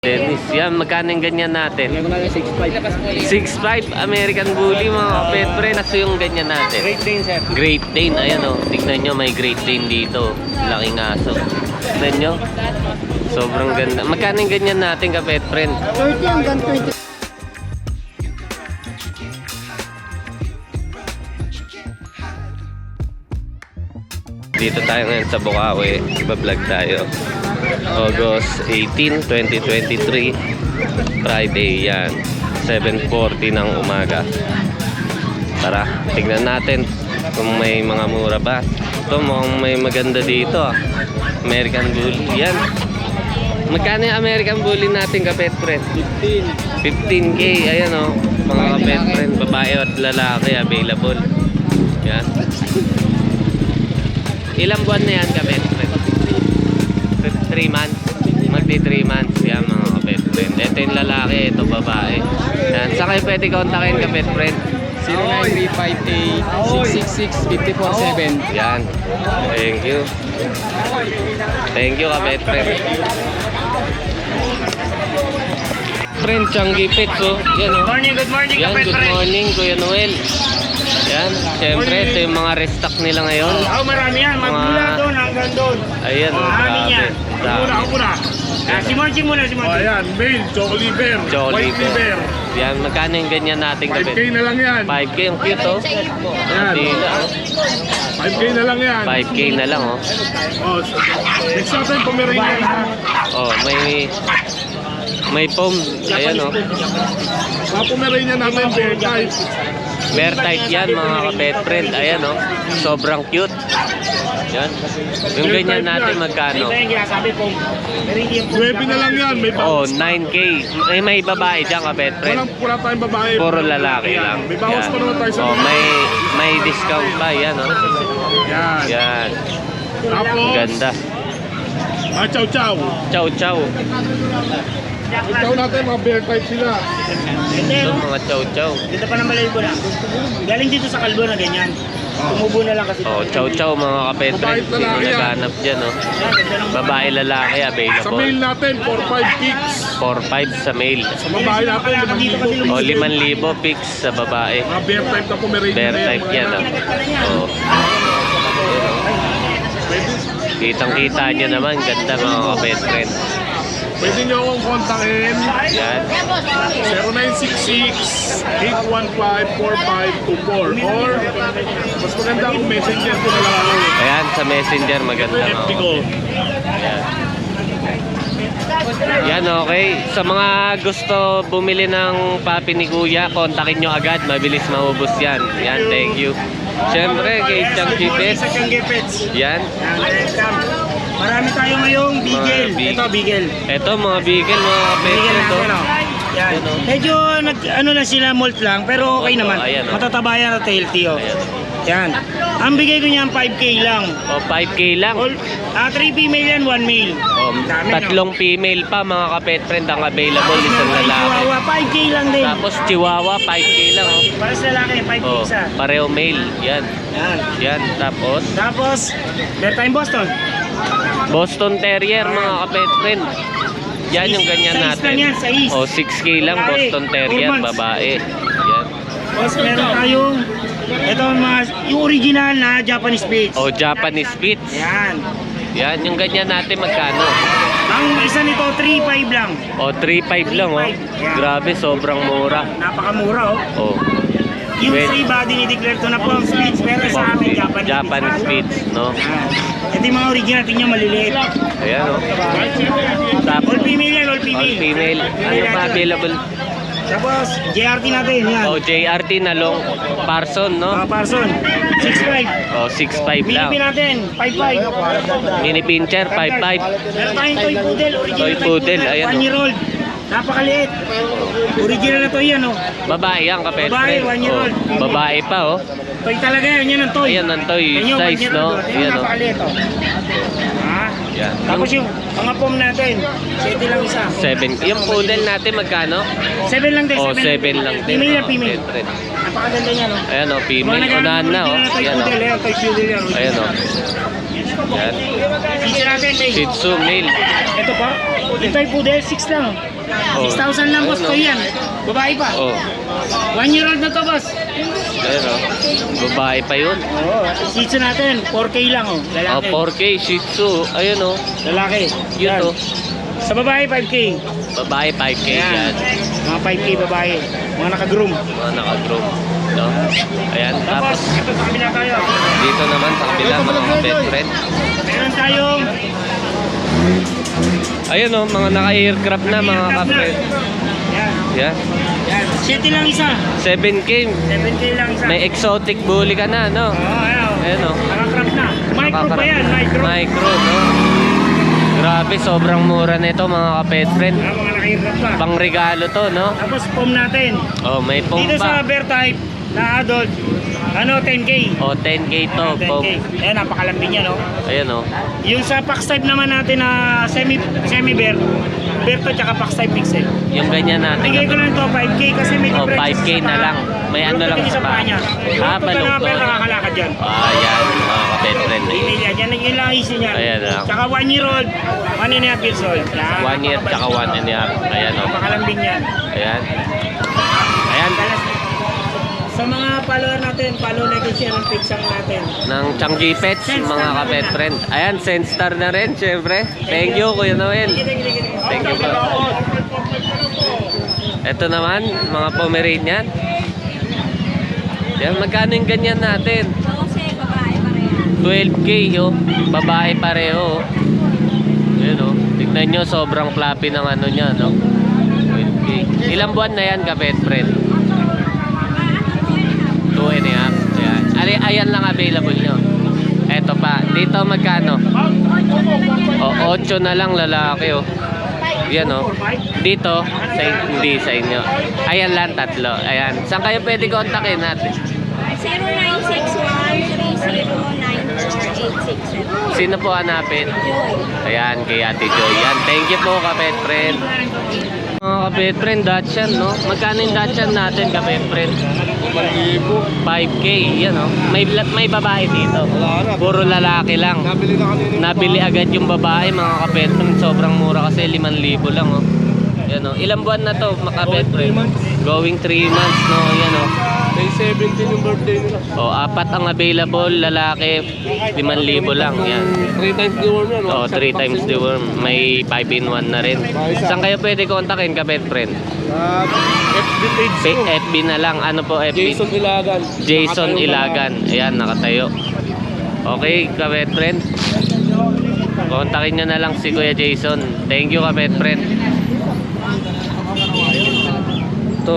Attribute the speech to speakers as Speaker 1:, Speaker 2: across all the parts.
Speaker 1: Dennis, yan, magkano yung ganyan natin?
Speaker 2: Bigyan ko na yung 6.5.
Speaker 1: 6.5 American Bully mga kapetren. Kaso yung ganyan natin.
Speaker 2: Great Dane, sir.
Speaker 1: Great Dane, ayan o. Tignan nyo, may Great Dane dito. Laking aso. Tignan nyo. Sobrang ganda. Magkano yung ganyan natin kapetren?
Speaker 2: 30 hanggang 20.
Speaker 1: Dito tayo ngayon sa Bukawi. Iba-vlog tayo. August 18, 2023. Friday yan. 7:40 ng umaga. Tara, tignan natin kung may mga mura ba. Ito mukhang may maganda dito. American Bully. Yan. Magkano yung American Bully natin kapet friend? 15K. Ayan o. Mga kapet friend. Babae at lalaki available. Yan. Ilang buwan na yan kapet friend? 3 months. Magdi 3 months. Yan mga kapet friend. Ito yung lalaki. Ito babae. Yan. Saan kayo pwede kontakin kapet friend?
Speaker 2: 0938-666-547.
Speaker 1: Yan. Thank you. Thank you kapet friend. Friend, Changi Pets oh. Yan oh.
Speaker 2: Good morning,
Speaker 1: Yan, good morning Kuya Noel. Yan, syempre ito yung mga restock nila ngayon.
Speaker 2: Marami yan. Magmula doon hanggang doon.
Speaker 1: Ayan,
Speaker 2: Marami
Speaker 1: grabe.
Speaker 2: yan. Muna. Si Monchi muna, si Monchi.
Speaker 3: Ayan, male, Jolly Bear,
Speaker 1: Jolly
Speaker 3: White Bear.
Speaker 1: Yan, magkano yung ganyan natin
Speaker 3: 5K
Speaker 1: kapit?
Speaker 3: na lang yan.
Speaker 1: 5K, yung cute oh.
Speaker 3: Ayan.
Speaker 1: Dila oh.
Speaker 3: 5K na lang yan.
Speaker 1: 5K na lang oh.
Speaker 3: Oh, next natin, Pomeranian.
Speaker 1: Oh, may foam. Ayan oh.
Speaker 3: Mga Pomeranian natin, bear type.
Speaker 1: Bear type yan mga kapet friend. Ayan oh. Sobrang cute. Yan. Yung ganyan natin magkano?
Speaker 2: Ito yung ginasabi po. Pero hindi yung
Speaker 3: 9 na lang yan, may
Speaker 1: Oh,
Speaker 3: bawas.
Speaker 1: 9K. May babae dyan kapet friend.
Speaker 3: Wala tayong babae.
Speaker 1: Puro lalaki lang.
Speaker 3: May bawas
Speaker 1: Yan.
Speaker 3: pa naman tayo sa
Speaker 1: Oh, may discount pa yan oh.
Speaker 3: Yan.
Speaker 1: Yan.
Speaker 3: Tapos,
Speaker 1: Ganda.
Speaker 3: Chow Chow.
Speaker 1: Chow chow.
Speaker 3: Chow natin, mga bear type sila.
Speaker 1: Ito mga chow chow.
Speaker 2: Dito pa naman ko na. Galing dito sa kalbo na ganyan. Tumubo na lang kasi.
Speaker 1: Oh, chow chow mga kapet friend. Sino naghanap dyan oh. Babae lalaki
Speaker 3: Sa male
Speaker 1: available.
Speaker 3: natin, 4-5 kicks.
Speaker 1: 4-5 sa male.
Speaker 3: Sa babae natin,
Speaker 1: O 5,000 picks sa babae.
Speaker 3: mga bear type na Pomeranian.
Speaker 1: Bear
Speaker 3: na yan,
Speaker 1: type
Speaker 3: mga
Speaker 1: yan oh. Oh. Kitang kita nyo naman. Ganda mga kapet friend.
Speaker 3: Pwede nyo akong kontakin.
Speaker 1: Yan.
Speaker 3: 0966-815-4524 or mas maganda kung messenger ko na lang ako.
Speaker 1: Ayan sa messenger maganda mga
Speaker 3: FB ko.
Speaker 1: Yan. Yan, okay. Sa mga gusto bumili ng papi ni Kuya, kontakin nyo agad. Mabilis maubos yan. Yan, thank you. Siyempre, kay Chang Chipets.
Speaker 2: Sa Changi Pets.
Speaker 1: Yan.
Speaker 2: Marami tayo ngayong bigel.
Speaker 1: Mga big-
Speaker 2: Ito, bigel.
Speaker 1: Ito, mga bigel, mga
Speaker 2: Bigel
Speaker 1: kapetren to.
Speaker 2: natin, oh. Yan.
Speaker 1: Yan, oh.
Speaker 2: Medyo ano lang sila, molt lang, pero okay
Speaker 1: Oh,
Speaker 2: naman.
Speaker 1: ayan, oh.
Speaker 2: Matataba yan at healthy, oh.
Speaker 1: Ayan.
Speaker 2: Yan. Ang bigay ko niyan 5K lang.
Speaker 1: O, 5K lang.
Speaker 2: 3 female yan, 1 male.
Speaker 1: O,
Speaker 2: Dami, no?
Speaker 1: tatlong female pa, mga kapetren ang available. Isang
Speaker 2: May
Speaker 1: lalaki.
Speaker 2: Chihuahua, 5K lang din.
Speaker 1: Tapos Chihuahua, 5K lang. Oh.
Speaker 2: Para sa lalaki, 5K
Speaker 1: Oh,
Speaker 2: isa.
Speaker 1: pareho male. Yan.
Speaker 2: Yan.
Speaker 1: Yan. Tapos,
Speaker 2: Tapos, meron tayong Boston.
Speaker 1: Boston Terrier, mga kapetren. Yan yung ganyan
Speaker 2: Size
Speaker 1: natin.
Speaker 2: lang yan, size.
Speaker 1: O, 6K lang,
Speaker 2: Babae.
Speaker 1: Boston Terrier,
Speaker 2: 4 months.
Speaker 1: babae. Yan.
Speaker 2: Tapos meron tayong, ito yung original na Japanese Spitz.
Speaker 1: O, Japanese Spitz.
Speaker 2: Yan.
Speaker 1: Yan, yung ganyan natin magkano?
Speaker 2: Ang isa nito, 3.5 lang.
Speaker 1: O, 3.5 lang, oh.
Speaker 2: 3.5. Yan.
Speaker 1: Grabe, sobrang mura.
Speaker 2: Napakamura, oh.
Speaker 1: O,
Speaker 2: Yung
Speaker 1: Well,
Speaker 2: sa iba, dinideclare to na pong Spitz, pero sa amin,
Speaker 1: Japanese Spitz, no?
Speaker 2: Yan. Ito yung mga original, tingnan maliliit.
Speaker 1: Ayan, o.
Speaker 2: All
Speaker 1: Tapos,
Speaker 2: female yan, all
Speaker 1: all
Speaker 2: female.
Speaker 1: female. Ano pa available?
Speaker 2: Tapos, JRT natin, yan.
Speaker 1: O, JRT na long Parson, no?
Speaker 2: Parson, 6.5.
Speaker 1: O, 6.5 lang.
Speaker 2: Philippine natin, 5.5.
Speaker 1: Mini Pincher, 5.5.
Speaker 2: Meron tayong toy poodle, original
Speaker 1: Toy poodle, ayan,
Speaker 2: 1 year old. Napakaliit. Original na toy yan, oh.
Speaker 1: Babae yan, kapet
Speaker 2: Babae, 1 year old.
Speaker 1: Babae pa, oh.
Speaker 2: Toy talaga yan, yan ang toy.
Speaker 1: Ayan ang toy
Speaker 2: Yan yung 1
Speaker 1: size,
Speaker 2: year
Speaker 1: no?
Speaker 2: old, oh. Yan,
Speaker 1: Ayan, oh.
Speaker 2: napakaliit, oh. Ha?
Speaker 1: Yan.
Speaker 2: Tapos yung mga pom natin, 7 lang isa.
Speaker 1: 7. Yung poodle natin, magkano?
Speaker 2: 7 lang din,
Speaker 1: O, 7 lang din.
Speaker 2: Female na
Speaker 1: mga
Speaker 2: female.
Speaker 1: kapetren.
Speaker 2: Napakaganda niya, no?
Speaker 1: Ayan, o. Female.
Speaker 2: Mga
Speaker 1: Unahan na, o.
Speaker 2: original na toy
Speaker 1: Ayan, o.
Speaker 2: poodle, yan, toy poodle yan.
Speaker 1: Ayan, o. Yan.
Speaker 2: Feature natin, may.
Speaker 1: Shih Tzu male.
Speaker 2: Ito pa, Ito ay poodle, 6 lang.
Speaker 1: Oh.
Speaker 2: 6,000 lang, boss
Speaker 1: Ayun,
Speaker 2: ko yan. Babae pa.
Speaker 1: Oh,
Speaker 2: 1 year old na to, boss.
Speaker 1: ayun oh. Babae pa yun.
Speaker 2: Oo, Shih Tzu natin, 4K lang, oh.
Speaker 1: Oh,
Speaker 2: Lalaki.
Speaker 1: 4K Shih Tzu. Ayun oh.
Speaker 2: Lalaki.
Speaker 1: Cute
Speaker 2: Yan.
Speaker 1: oh.
Speaker 2: Sa babae, 5K.
Speaker 1: Babae 5K yan.
Speaker 2: Mga 5K babae. Mga naka-groom.
Speaker 1: Mga naka-group. No? Ayan,
Speaker 2: Tapos,
Speaker 1: tapos
Speaker 2: ito sa kabila tayo.
Speaker 1: dito naman sa kabila mga best friend.
Speaker 2: Meron tayong
Speaker 1: Ayun oh, mga naka-aircraft na mga
Speaker 2: aircraft na.
Speaker 1: kapre.
Speaker 2: Yan.
Speaker 1: Yan.
Speaker 2: Yan. 7 lang isa.
Speaker 1: 7K.
Speaker 2: 7K lang isa.
Speaker 1: May exotic bully ka na, no?
Speaker 2: Ayan.
Speaker 1: Ayun oh.
Speaker 2: Naka-craft na. Micro pa yan, micro.
Speaker 1: Micro, no? Grabe, sobrang mura nito mga kapet friend.
Speaker 2: Mga naka-aircraft pa.
Speaker 1: Pang regalo to, no?
Speaker 2: Tapos foam natin.
Speaker 1: Oh, may pong
Speaker 2: Dito sa
Speaker 1: pa.
Speaker 2: bear type na adult, 10K.
Speaker 1: Oh, 10K to, pong.
Speaker 2: 10K. Ayan, napakalambing niya, no?
Speaker 1: Ayun oh.
Speaker 2: Yung sa Pax type naman natin na semi-bear, bear to tsaka Pax type mix eh.
Speaker 1: Yung ganyan
Speaker 2: Bigay ko
Speaker 1: natin.
Speaker 2: lang to 5K kasi may
Speaker 1: Oh,
Speaker 2: difference
Speaker 1: 5K
Speaker 2: sa
Speaker 1: na
Speaker 2: paa.
Speaker 1: lang. May ano lang
Speaker 2: Baluktot
Speaker 1: sa
Speaker 2: yung
Speaker 1: paa.
Speaker 2: niya.
Speaker 1: Ah,
Speaker 2: Baluktot na
Speaker 1: baluktot.
Speaker 2: pero nakakalakad yan.
Speaker 1: Ayan, mga kapet friend.
Speaker 2: Detail yan. Yan lang easy niya.
Speaker 1: Ayan lang.
Speaker 2: Tsaka 1 year old, 1.5 years old. Yan.
Speaker 1: 1 year tsaka 1 and a half. Ayan oh.
Speaker 2: Napakalambing yan.
Speaker 1: Ayan. Ayan.
Speaker 2: Sa mga follower natin, follow natin siya ng page natin.
Speaker 1: Ng Changi Pets, mga kapet friend. Ayan, Senstar na rin, syempre. Thank you, Kuya Noel. Thank you po. Ito naman, mga Pomeranian. Yan, magkano yung ganyan natin? 12K, oh. Babae pareho, oh. Ayan, oh. Tignan nyo, sobrang fluffy ng ano niya, no? 12K. Ilang buwan na yan, kapet friend? 2 and a half. Ayan. Ayan lang available nyo. Eto pa. Dito magkano? O, 8 na lang lalaki, oh. Yan, oh. Dito, hindi sa inyo. Ayan lang, tatlo. Ayan. Saan kayo pwede kontakin natin?
Speaker 4: 0961-3094-867.
Speaker 1: Sino po hanapin?
Speaker 4: Joy.
Speaker 1: Ayan, kay Ate Joy. Yan. Thank you po, kapet friend. Mga kapet friend, Dachshund, no? Magkano yung Dachshund natin, kapet friend? 5K, yan, oh. May babae dito. Puro lalaki lang.
Speaker 3: Nabili na kanina.
Speaker 1: Nabili agad yung babae, mga kapet friend. Sobrang mura kasi 5,000 lang, oh. Yan, oh. Ilang buwan na to, mga kapet friend? Going 3 months, no? Yan, oh.
Speaker 3: May 17 yung birthday nila.
Speaker 1: Oh, 4 ang available, lalaki 5,000 lang, yan.
Speaker 3: 3 times the worm yan.
Speaker 1: Oh, 3 times the worm. May 5 in 1 na rin. Saan kayo pwede kontakin, kapet friend?
Speaker 3: FB page ko.
Speaker 1: FB na lang. Ano po FB?
Speaker 3: Jason Ilagan.
Speaker 1: Jason
Speaker 3: Nakatayo
Speaker 1: Ilagan. Ayan, nakatayo. Okay, kapet friend. Kontakin nyo na lang si Kuya Jason. Thank you, kapet friend. Ito,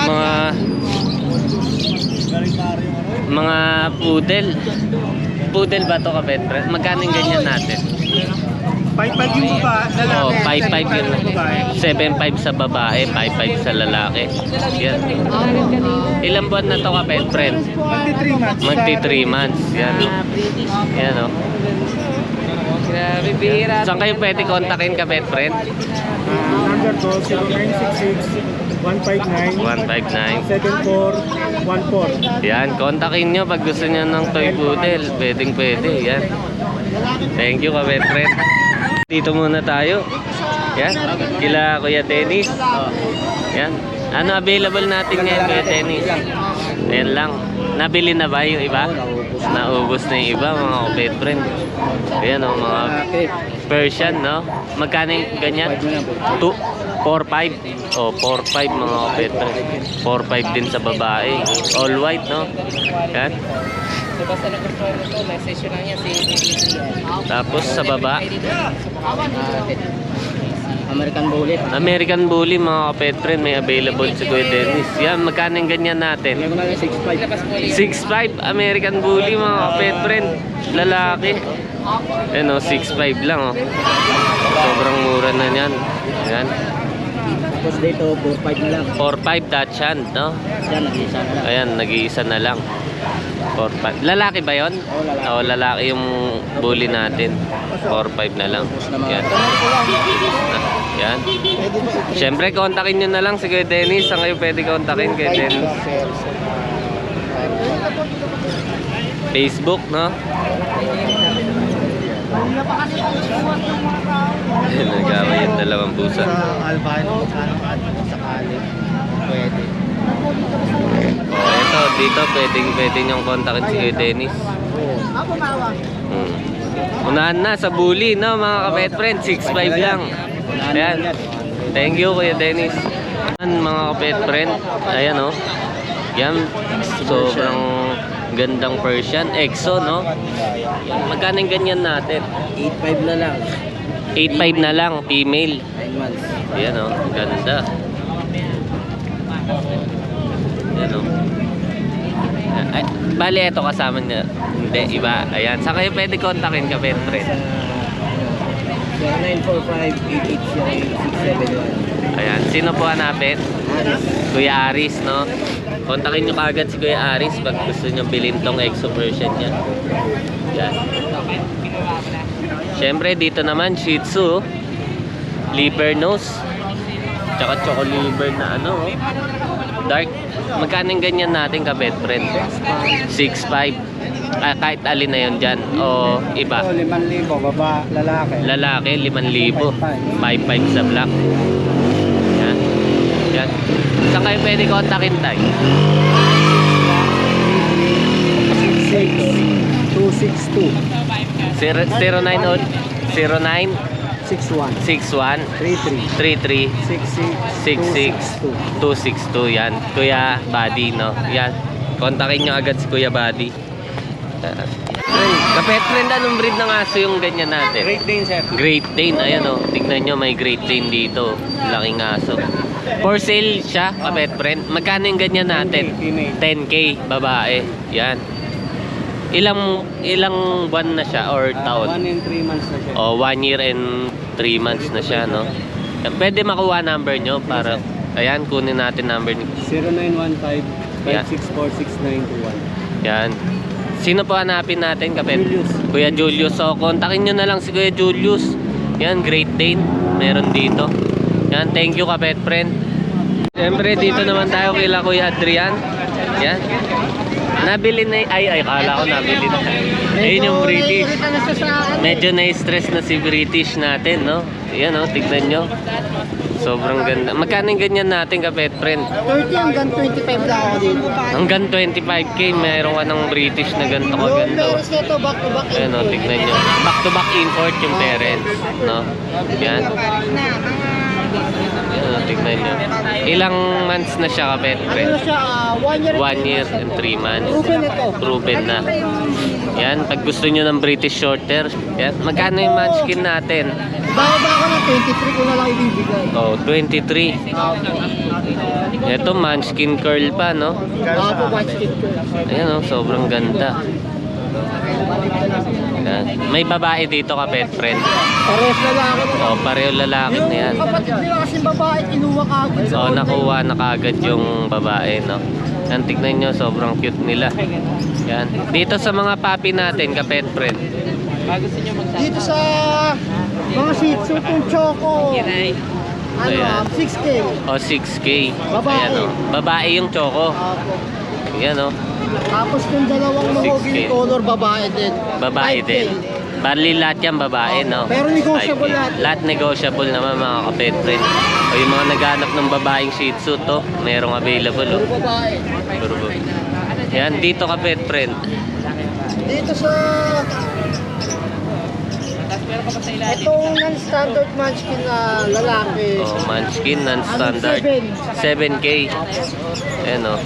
Speaker 1: mga poodle. Poodle ba to, kapet friend? Magkano yung ganyan natin?
Speaker 2: 5.5 yung baba,
Speaker 1: Oh, 5.5 yun. 7.5 sa babae, 5.5 sa lalaki. Yan. Ilang buwan na to, kapet friend? Magti 3 months. Yan. Yan, oh. Saan kayo pwede kontakin, kapet friend?
Speaker 2: Number ko, 0966-159
Speaker 1: 159.
Speaker 2: 7414.
Speaker 1: Yan, kontakin nyo pag gusto nyo ng toy poodle. Pwedeng pwede, yan. Thank you, kapet friend. Dito muna tayo. Yan, kila Kuya Dennis. Yan. Ano available natin ngayon, Kuya Dennis? Ayan lang. Nabili na ba yung iba? Naubos na yung iba, mga kapet friend. Ayan, oh, mga Persian, no? Magkano yung ganyan? 4.5. Oh, 4.5 mga kapet friend. 4.5 din sa babae. All white, no? Yan.
Speaker 5: Basta nagustuhan mo ito, message yun lang yan si
Speaker 1: Tapos sa baba,
Speaker 5: American Bully.
Speaker 1: American Bully, mga kapet friend. May available si Kuya Dennis. Yan, magkano yung ganyan natin?
Speaker 5: Meron lang yung 6.5.
Speaker 1: 6.5 American Bully, mga kapet friend. Lalaki. Ano, 6.5 lang, oh. Sobrang mura na yan. Yan.
Speaker 5: Tapos dito, 4.5 na lang.
Speaker 1: 4.5 Dachshund, no?
Speaker 5: Yan, nag-isa na lang.
Speaker 1: Ayan, nag-iisa na lang. 4.5. Lalaki ba yon? Oo, lalaki yung bully natin. 4.5 na lang. Yan. Yan. Siyempre, kontakin nyo na lang si Kuya Dennis. Saan kayo pwede kontakin kay Dennis? Facebook, no? Nag-away yung dalawang pusa.
Speaker 5: albino, sakali. Pwede.
Speaker 1: Oh, ito, dito pwede niyong kontakin si Kuya Dennis. Unahan na sa bully, no, mga ka-pet friend. 6'5 lang. Ayan. Thank you, Kuya Dennis. Ayan, mga ka-pet friend. Ayan, oh. Yan. Sobrang gandang Persian. EXO, no? Magkano yung ganyan natin?
Speaker 5: 8.5 na lang.
Speaker 1: 8'5 na lang, female.
Speaker 5: 9 months.
Speaker 1: Ayan, oh. Ganda. Ayan, oh. Ay, bali, ito kasama niya. Hindi, iba. Ayan. Saan kayo pwede kontakin ka, pet friend?
Speaker 5: 0945-880-671.
Speaker 1: Ayan. Sino po hanapin? Kuya Aris, no? Kontakin nyo kagad si Kuya Aris pag gusto nyo bilhin tong EXO version niya. Yan. Siyempre, dito naman, Shih Tzu. Liver nose. Tsaka choco liver na ano, oh. Dark. Magkano yung ganyan natin ka, pet friend? 6'5". Kahit alin na yun dyan. O iba.
Speaker 5: 5,000, baba, lalaki.
Speaker 1: Lalaki, 5,000. 5'5 sa black. Yan. Yan. Saan kayo pwede kontakin tayo?
Speaker 5: 262
Speaker 1: 09
Speaker 5: 61
Speaker 1: 61
Speaker 5: 33
Speaker 1: 33
Speaker 5: 66
Speaker 1: 262 yan. Kuya Buddy, no? Yan. Kontakin nyo agad si Kuya Buddy. Kapet friend, anong breed ng aso yung ganyan natin?
Speaker 5: Great Dane, sir.
Speaker 1: Great Dane, ayan o. Tignan nyo, may Great Dane dito. Laking aso. For sale siya, kapet friend. Magkano yung ganyan natin? 10K, babae. Yan. Ilang buwan na siya or taon?
Speaker 5: 1 and 3 months na siya.
Speaker 1: O, 1 year and 3 months na siya, no? Pwede makuha number nyo para, ayan, kunin natin number nyo.
Speaker 5: 0915-564-6921.
Speaker 1: Yan. Sino po hanapin natin, kapet?
Speaker 5: Julius.
Speaker 1: Kuya Julius. So, kontakin nyo na lang si Kuya Julius. Yan, Great Dane. Meron dito. Yan, thank you, kapet friend. Siyempre, dito naman tayo kila Kuya Adrian. Yan. Nabili na, ay, kala ko nabili na. Ayun yung British. Medyo na-stress na si British natin, no? Yan, no? Tignan nyo. Sobrang ganda. Magkano yung ganyan natin, kapet friend?
Speaker 5: 30 hanggang 25 lang ako dito.
Speaker 1: Hanggang 25K, mayroon ka ng British na ganito kaganda.
Speaker 5: Meron nito back to back.
Speaker 1: Ayan o, tignan nyo. Back to back import yung parents. No? Yan. Ayan o, tignan nyo. Ilang months na siya, kapet friend?
Speaker 5: Ano siya, 1 year.
Speaker 1: 1 year and 3 months.
Speaker 5: Proven ito.
Speaker 1: Proven na. Yan, pag gusto nyo ng British Shorter. Yan, magkano yung munchkin natin?
Speaker 5: Baka ako ng 23 ko na lang ibibigay.
Speaker 1: Oh, 23. Ito, munchkin curl pa, no?
Speaker 5: Baka po watch it ko.
Speaker 1: Ayan o, sobrang ganda. Yan. May babae dito, kapet friend.
Speaker 5: Pares na lang ako.
Speaker 1: Oh, pareho lalaki na yan.
Speaker 5: Kapatid nila kasing babae, kinuha ka agad sa
Speaker 1: So, nakuha na kaagad yung babae, no? Yan, tignan nyo, sobrang cute nila. Yan. Dito sa mga puppy natin, kapet friend.
Speaker 5: Dito sa mga Shih Tzu kung Choco.
Speaker 1: Ayan.
Speaker 5: 6K.
Speaker 1: O, 6K.
Speaker 5: Babae.
Speaker 1: Ayan, o. Babae yung choco.
Speaker 5: Apo.
Speaker 1: Yan, o.
Speaker 5: Tapos kung dalawang
Speaker 1: 6K.
Speaker 5: mahogany color, babae din.
Speaker 1: Babae
Speaker 5: 5K.
Speaker 1: din. Bali lahat yan babae, no?
Speaker 5: Pero negotiable
Speaker 1: 5K.
Speaker 5: lahat.
Speaker 1: Lahat negotiable naman, mga kapet friend. O yung mga naghanap ng babaeng Shih Tzu, to, merong available, o.
Speaker 5: Puro babae.
Speaker 1: Puro ba? Yan, dito kapet friend.
Speaker 5: Dito sa itong non-standard munchkin na lalaki.
Speaker 1: O, munchkin, non-standard. 7K. Ayan, o.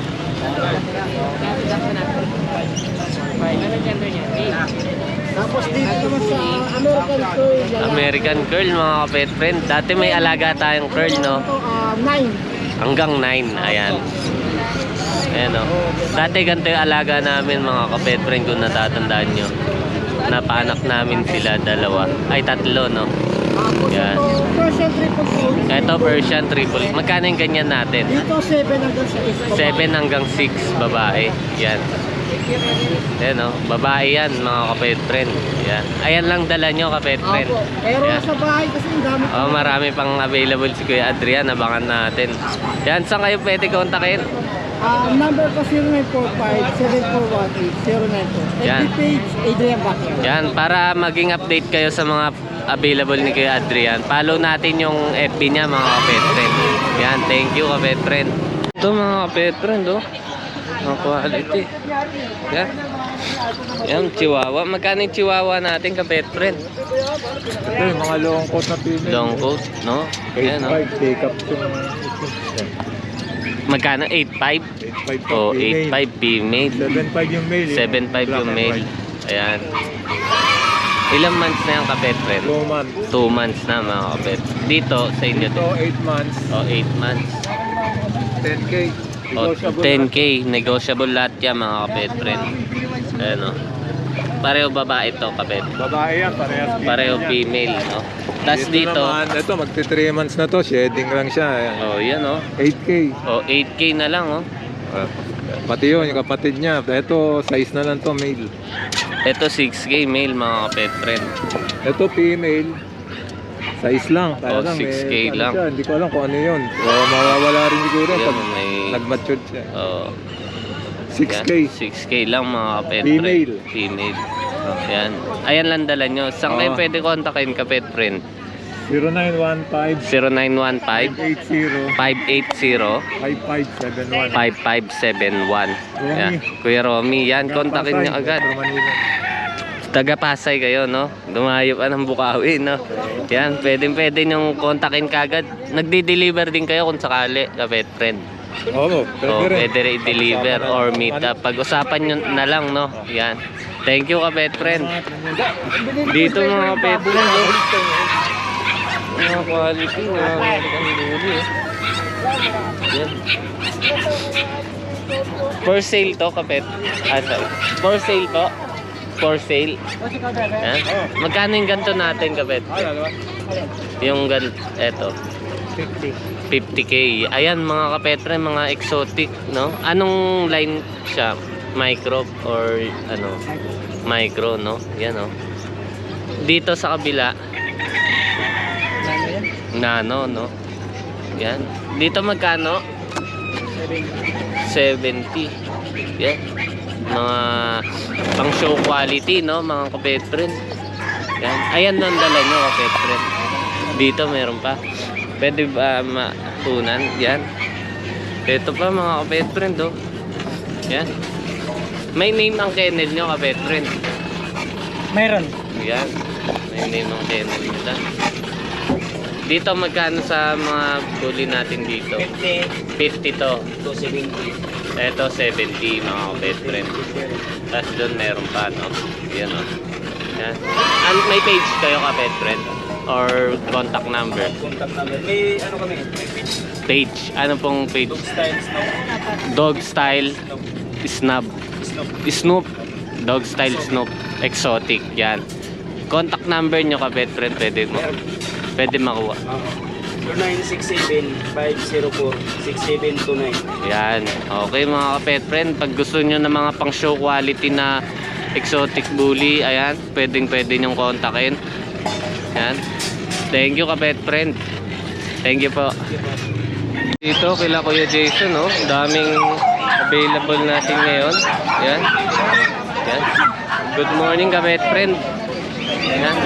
Speaker 5: Tapos dito naman sa American Curl.
Speaker 1: American curl, mga kapet friend. Dati may alaga tayong curl, no?
Speaker 5: 9.
Speaker 1: Hanggang 9, ayan. Ayan, o. Dati ganito yung alaga namin, mga kapet friend, kung natatandaan nyo. Napaanak namin sila, 2. Ay, 3, no?
Speaker 5: Tapos
Speaker 1: Yan.
Speaker 5: ito, Persian triple coat.
Speaker 1: Ito, Persian triple. Magkano yung ganyan natin?
Speaker 5: Dito 7 hanggang 6.
Speaker 1: 7 hanggang 6, babae. Yan. Ayan, o. Babae yan, mga kapet friend. Yan. Ayan lang dala nyo, kapet friend.
Speaker 5: Apo. Pero
Speaker 1: Yan.
Speaker 5: sa bahay kasi ang dami.
Speaker 1: Oh, marami pang available si Kuya Adrian, abangan natin. Yan, saan kayo pwede kontakin?
Speaker 5: Number ko 0945-7418-094.
Speaker 1: Yan.
Speaker 5: FB page, Adrian Bacchio.
Speaker 1: Yan, para maging update kayo sa mga available ni Kuya Adrian, follow natin yung FB niya mga kapet friend. Yan, thank you kapet friend. Ito mga kapet friend, oh. Mga quality. Yan. Yan, chihuahua. Magkano yung chihuahua natin kapet friend?
Speaker 3: Ito yung mga long coat na pinil.
Speaker 1: Long coat, no? Yan, no?
Speaker 3: 8.5, take up yung
Speaker 1: Magkano? 8.5?
Speaker 3: 8.5
Speaker 1: O, 8.5 female.
Speaker 3: 7.5 yung male.
Speaker 1: 7.5 yung male. Ayan. Ilang months na yung kapet friend?
Speaker 3: 2 months.
Speaker 1: 2 months na mga kapet. Dito sa inyo.
Speaker 3: Ito 8 months.
Speaker 1: O, 8 months.
Speaker 3: 10K.
Speaker 1: O,
Speaker 3: Negotiable
Speaker 1: 10K. Negotiable lahat yan mga kapet friend. Ayan o. Pareho babae to kapet.
Speaker 3: Babae yan, parehas.
Speaker 1: Pareho female, no? Tapos dito,
Speaker 3: naman, ito magti 3 months na to, shedding lang siya. Ayan.
Speaker 1: oh, yan o.
Speaker 3: 8K.
Speaker 1: O, 8K na lang o.
Speaker 3: Pati yun, yung kapatid niya. Ito, size na lang to, male.
Speaker 1: Ito 6K male mga kapet friend.
Speaker 3: Ito, female. Size lang.
Speaker 1: Oh,
Speaker 3: Talagang
Speaker 1: 6K
Speaker 3: ano
Speaker 1: lang.
Speaker 3: siya, hindi ko alam kung ano yun. O, mawawala rin siguro
Speaker 1: Yan,
Speaker 3: pag
Speaker 1: may-
Speaker 3: nag-mature siya.
Speaker 1: Oh,
Speaker 3: 6K.
Speaker 1: yan, 6K lang mga kapet
Speaker 3: Female.
Speaker 1: friend. Female. Yan. Ayan lang dala nyo. Saan kayo
Speaker 3: Oo.
Speaker 1: pwede kontakin kapet friend?
Speaker 3: 0915
Speaker 1: 0915
Speaker 3: 880
Speaker 1: 580
Speaker 3: 5571.
Speaker 1: 5571. Yan. Kuya Romy, yan. Kontakin nyo agad. Taga Pasay kayo, no? Dumayo pa ng Bukawi, no? Yan, pwede nyo kontakin kagad. Nagdi-deliver din kayo kung sakali, kapet friend.
Speaker 3: Oo,
Speaker 1: O, pwede rin i-deliver or meet up. Pag-usapan nyo na lang, no? Yan. Thank you, kapet friend. Dito mga kapet friend, no? Mga quality, mga magandang duli, eh. Yan. For sale to, kapet. Sorry. For sale to. For sale. Yan. Magkano yung ganito natin, kapet? Yung eto. 50K. Ayan mga kapetre, mga exotic, no? Anong line siya? Micro or ano? Micro, no? Yan, no? Dito sa kabila, nano, no? Yan. Dito magkano? 70. Yan. Mga pang show quality, no? Mga kapetre. Yan. Ayan ang dala nyo, kapetre. Dito meron pa. Pwede ba matunan? Yan. Ito pa mga kapet friend, oh. Yan. May name ang kennel nyo, kapet friend.
Speaker 2: Meron.
Speaker 1: Yan. May name ang kennel nila. Dito magkano sa mga bully natin dito? 50 to.
Speaker 2: 270.
Speaker 1: Ito 70 mga kapet friend. Tapos doon meron pa, no? Yan, oh. Yan. May page kayo, kapet friend? Or contact number?
Speaker 2: Contact number. May ano kami? May page.
Speaker 1: Page. Ano pong page?
Speaker 2: Dog style,
Speaker 1: Dog style
Speaker 2: snow.
Speaker 1: snub. Snoop. Dog style Snoop. Exotic. Yan. Contact number nyo, kapet friend. Pwede makuha.
Speaker 2: 0967-504-6729.
Speaker 1: Yan. Okay mga kapet friend. Pag gusto nyo ng mga pang show quality na exotic bully, ayan. Pwede nyong kontakin. Yan. Thank you, kapet friend. Thank you po. Dito kila Kuya Jason, no? Daming available natin ngayon. Yan. Yan. Good morning, kapet friend. Yan.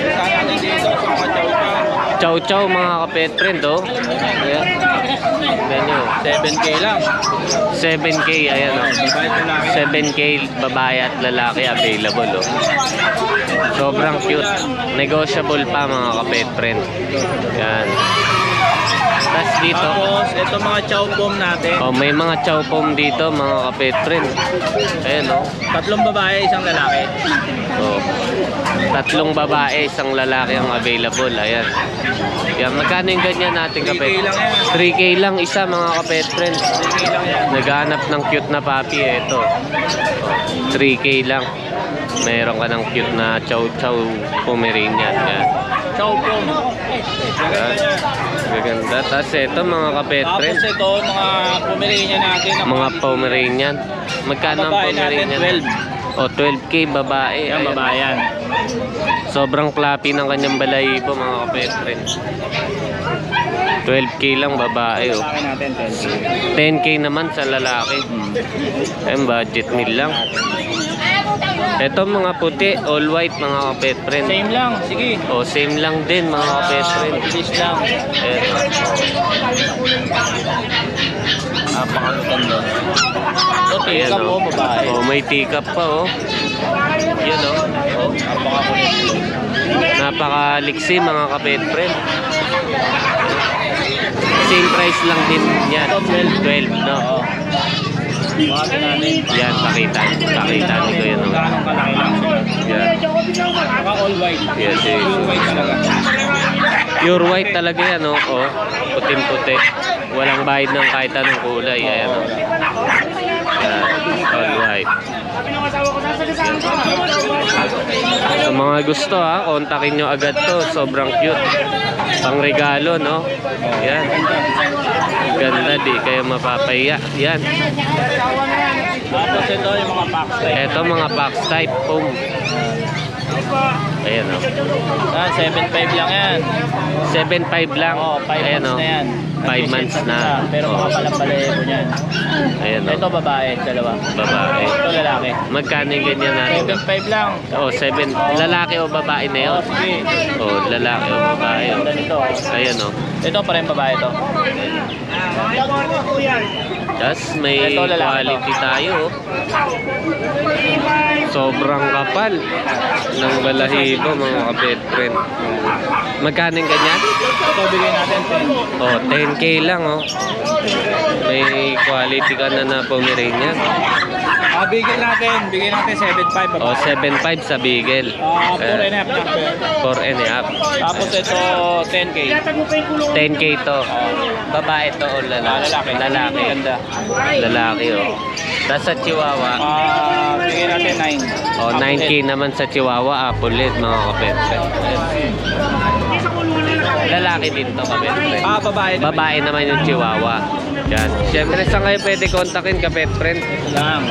Speaker 1: Chow chow mga kapet friend, oh. Ayan. Ganyan.
Speaker 2: 7K lang.
Speaker 1: 7K, ayan, oh. 7K babae at lalaki available, oh. Sobrang cute. Negotiable pa mga kapet friend. Yan. Tapos dito,
Speaker 2: Tapos, ito mga chow pom natin.
Speaker 1: oh, may mga chow pom dito mga kapet friend. Ayan, oh.
Speaker 2: 3 babae, 1 lalaki.
Speaker 1: Oh. 3 babae, 1 lalaki ang available. Ayan. Yan, magkano yung ganyan natin, kapet?
Speaker 2: 3K lang yan.
Speaker 1: 3K lang isa mga kapet friend.
Speaker 2: 3K lang yan.
Speaker 1: Naghahanap ng cute na puppy, ito. 3K lang. Meron ka ng cute na chow chow Pomeranian. Yan.
Speaker 2: Chow pom. Maganda yan.
Speaker 1: Gaganda. Tapos ito mga kapet
Speaker 2: Tapos
Speaker 1: friend.
Speaker 2: ito, mga Pomeranian natin.
Speaker 1: Mga Pomeranian. Magkano ang
Speaker 2: Babae natin,
Speaker 1: Pomeranian?
Speaker 2: 12.
Speaker 1: O, 12K babae.
Speaker 2: Yan,
Speaker 1: Ayan.
Speaker 2: babae yan.
Speaker 1: Sobrang klapi ng kanyang balahibo mga kapet friend. 12K lang babae oh.
Speaker 2: Lalaki natin, 10K.
Speaker 1: 10K naman sa lalaki. Ayun, budget meal lang. Ito mga puti, all white mga kapet friend.
Speaker 2: Same lang, sige.
Speaker 1: O, same lang din mga kapet friend.
Speaker 2: Fish lang.
Speaker 1: Eto.
Speaker 2: Napakaganda. Ito,
Speaker 1: Ayan,
Speaker 2: tika po,
Speaker 1: oh.
Speaker 2: babae.
Speaker 1: Oh, may teacup pa oh. Yan oh. Oh. Napakaliksi mga kapet friend. Same price lang din yan. 12 no.
Speaker 2: Oo. Buhatin natin.
Speaker 1: Yan, pakita ni ko yan oh.
Speaker 2: Ganong kalaki lang.
Speaker 1: Yan.
Speaker 2: Saka all white.
Speaker 1: Yes, yes.
Speaker 2: Pure white talaga.
Speaker 1: Pure white talaga yan oh. Oh, puting-puti. Walang bahid ng kahit anong kulay. Ayan oh. Yan, all white. Sa mga gusto ha, kontakin nyo agad to. Sobrang cute. Pang regalo, no? Yan. Ganda, di kayo mapapahiya. Yan.
Speaker 2: Tapos ito yung mga box type.
Speaker 1: Ito mga box type foam. Ayan o.
Speaker 2: 7.5 lang yan.
Speaker 1: 7.5 lang.
Speaker 2: Oo, 5
Speaker 1: Ayan
Speaker 2: months
Speaker 1: o.
Speaker 2: na yan.
Speaker 1: 5 months na.
Speaker 2: Pero
Speaker 1: Oo.
Speaker 2: mga palampalayo niyan.
Speaker 1: Ayan o.
Speaker 2: Ito babae, dalawa.
Speaker 1: Babae.
Speaker 2: Ito lalaki.
Speaker 1: Magkano yung ganyan natin?
Speaker 2: 7.5 lang.
Speaker 1: Oh, 7. Lalaki o babae na yun?
Speaker 2: Sige.
Speaker 1: Oh, lalaki o babae o.
Speaker 2: Ganda nito.
Speaker 1: Ayan o.
Speaker 2: Ito pa rin babae to.
Speaker 1: Tapos may
Speaker 2: Ito, lalaki
Speaker 1: quality tayo oh. Sobrang kapal ng balahibo mga kapet friend. Magkano yung ganyan?
Speaker 2: Ito bigay natin 10.
Speaker 1: Oh, 10K lang oh. May quality ka na Pomeranian.
Speaker 2: Bigay natin 7.5
Speaker 1: Oh,
Speaker 2: babae.
Speaker 1: 7.5 sa Beagle.
Speaker 2: 4 and a half lang po.
Speaker 1: 4 and a half.
Speaker 2: Tapos ito 10K.
Speaker 1: 10K to. Babae to o lalaki?
Speaker 2: Lalaki.
Speaker 1: Lalaki.
Speaker 2: Ganda.
Speaker 1: Lalaki oh. Tapos sa Chihuahua.
Speaker 2: Bigay natin 9.
Speaker 1: Oh, 9K naman sa Chihuahua. Apple lid mga kapet friend. Lalaki din to kapet friend.
Speaker 2: Babae.
Speaker 1: Babae naman yung Chihuahua. Yan. Siyempre, saan kayo pwede kontakin kapet friend?
Speaker 2: Lang.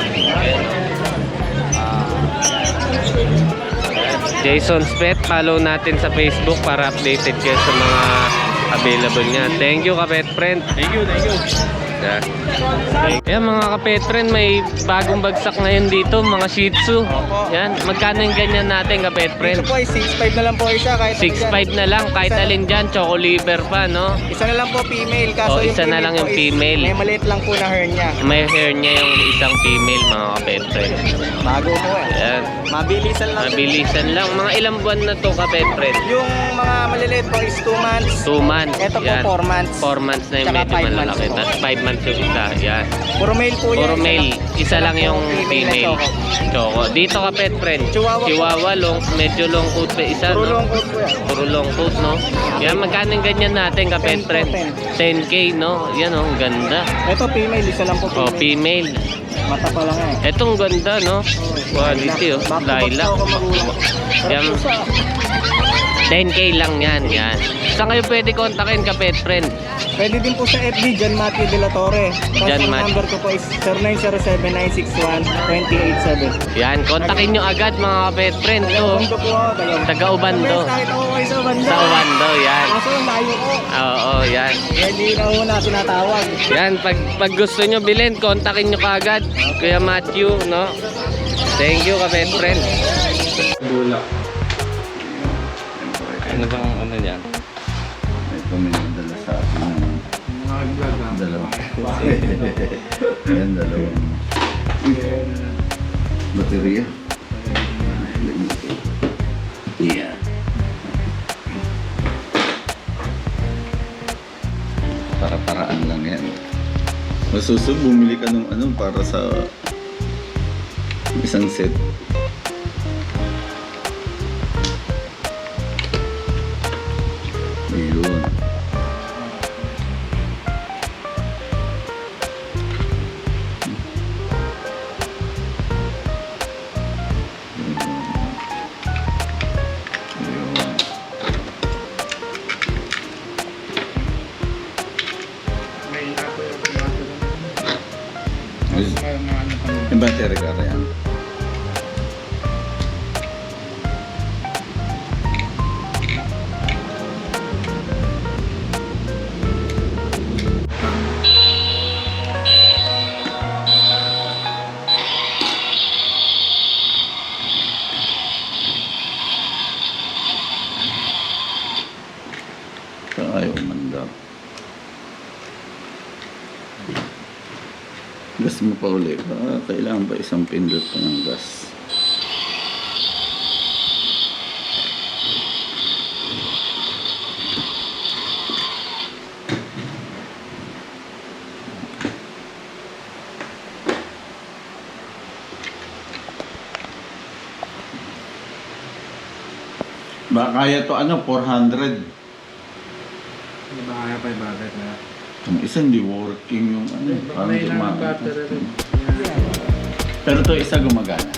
Speaker 1: Jason's Pet, follow natin sa Facebook para updated kayo sa mga available niya. Thank you kapet friend.
Speaker 2: Thank you.
Speaker 1: Yeah. Yan mga kapet friend, may bagong bagsak ngayon dito, mga Shih Tzu. Yan, magkano yung ganyan natin kapet friend?
Speaker 5: Ito po ay 6.5 na lang po isa. Kahit
Speaker 1: 6.5 na lang, kahit alin dyan, choco liver pa, no?
Speaker 5: Isa na lang po female. Kaso
Speaker 1: Oh,
Speaker 5: yung
Speaker 1: isa na
Speaker 5: female
Speaker 1: lang
Speaker 5: po
Speaker 1: yung
Speaker 5: is
Speaker 1: female.
Speaker 5: May maliit lang po na hernia.
Speaker 1: May hair niya yung isang female mga kapet friend.
Speaker 5: Bago po eh.
Speaker 1: Yan,
Speaker 5: Mabilisan lang.
Speaker 1: mabilisan lang. Mga ilang buwan na to kapet friend?
Speaker 5: Yung mga maliliit po is 2 months.
Speaker 1: 2 months.
Speaker 5: Ito po
Speaker 1: Yan.
Speaker 5: 4 months.
Speaker 1: 4 months na yung
Speaker 5: Tsaka
Speaker 1: medyo
Speaker 5: 5 months
Speaker 1: malalaki.
Speaker 5: po.
Speaker 1: Tapos 5 months yung isa. Yan.
Speaker 5: Puro male po yan.
Speaker 1: Puro male. Isa lang yung
Speaker 5: na
Speaker 1: female.
Speaker 5: choco.
Speaker 1: Choco. Dito ka pet friend.
Speaker 5: Chihuahua.
Speaker 1: Medyo long coat pa isa,
Speaker 5: Puro
Speaker 1: no?
Speaker 5: long coat po yan.
Speaker 1: Puro long coat, no? Yan, magkano yung ganyan natin ka pet
Speaker 5: 10 po,
Speaker 1: friend? 10K, no? Yan, oh, ganda.
Speaker 5: Ito female. Isa lang po
Speaker 1: Oh,
Speaker 5: female.
Speaker 1: female.
Speaker 5: Mata pa lang eh.
Speaker 1: Etong ganda, no? Quality, oh. Lilac. Yan. 10K lang yan, yan. Saan kayo pwede kontakin ka pet friend?
Speaker 5: Pwede din po sa FB, John Matthew De La Torre. Tapos
Speaker 1: John
Speaker 5: ang
Speaker 1: Matthew.
Speaker 5: number ko po is 0907-961-2087.
Speaker 1: Yan, kontakin nyo agad mga pet friend. Oh.
Speaker 5: Ubando po ako.
Speaker 1: Taga Ubando.
Speaker 5: Nakita ko kayo sa Ubando.
Speaker 1: Sa Ubando, yan.
Speaker 5: Kaso layo ko.
Speaker 1: Oo, yan.
Speaker 5: Hindi na una tinatawag.
Speaker 1: Yan, pag gusto nyo bilhin, kontakin nyo kaagad. Kuya Matthew, no? Thank you, kapet friend.
Speaker 3: Bulak.
Speaker 1: Ano bang ano yan?
Speaker 4: May paminadala sa akin ng dalawa. Ayan, dalawang baterya. Yeah. Para-paraan lang yan. Masusunod, bumili ka ng ano para sa isang set. Yun. Yung battery ka yan. Gas mo pa ulit. Kailangan pa isang pindot pa ng gas. Ba kaya to ano 400.
Speaker 5: Hindi ba kaya 500 na?
Speaker 4: Yung isa hindi working yung ano. Parang gumagana. Pero to isa gumagana.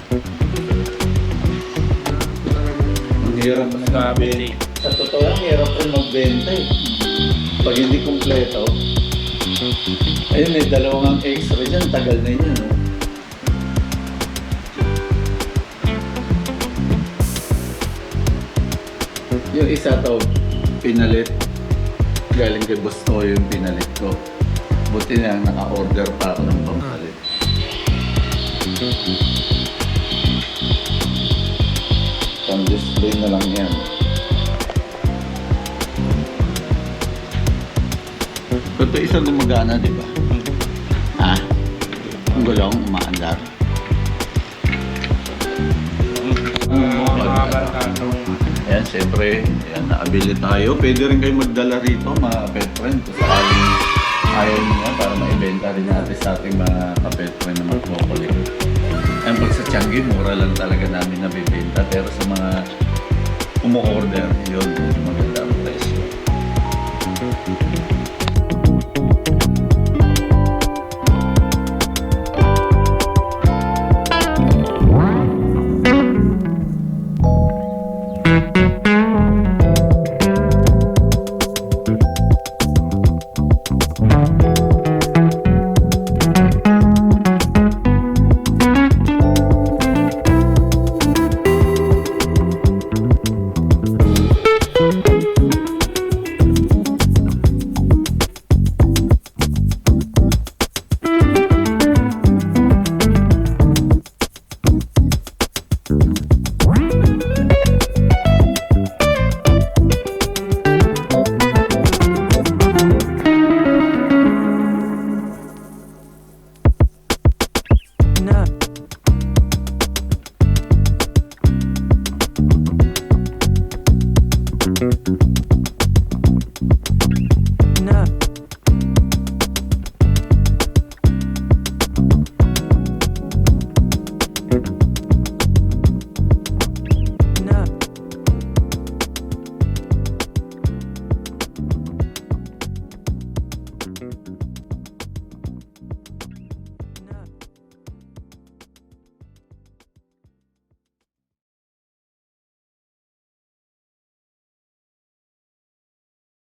Speaker 4: Ang hirap magbenta. Sa totoo lang, hirap rin magbenta eh. Pag hindi kumpleto. Ayun, may dalawang extra dyan. Tagal na yun, no? Yung isa to, pinalit. Galing kay Boss Toyo yung pinalit ko. Buti na naka-order pa ako ng pampalit. Pang-display na lang yan. Ito isa gumagana, di ba? Ha? Ang gulong, umaandar. Ayan, siyempre, ayan, naabili tayo. Pwede rin kayo magdala rito, mga pet friend. Kung sakaling ayaw niya para maibenta rin natin sa ating mga ka-pet friend na magkukulik. Ayan, pag sa Tiangge, mura lang talaga namin nabibenta. Pero sa mga umu-order, yun, maganda.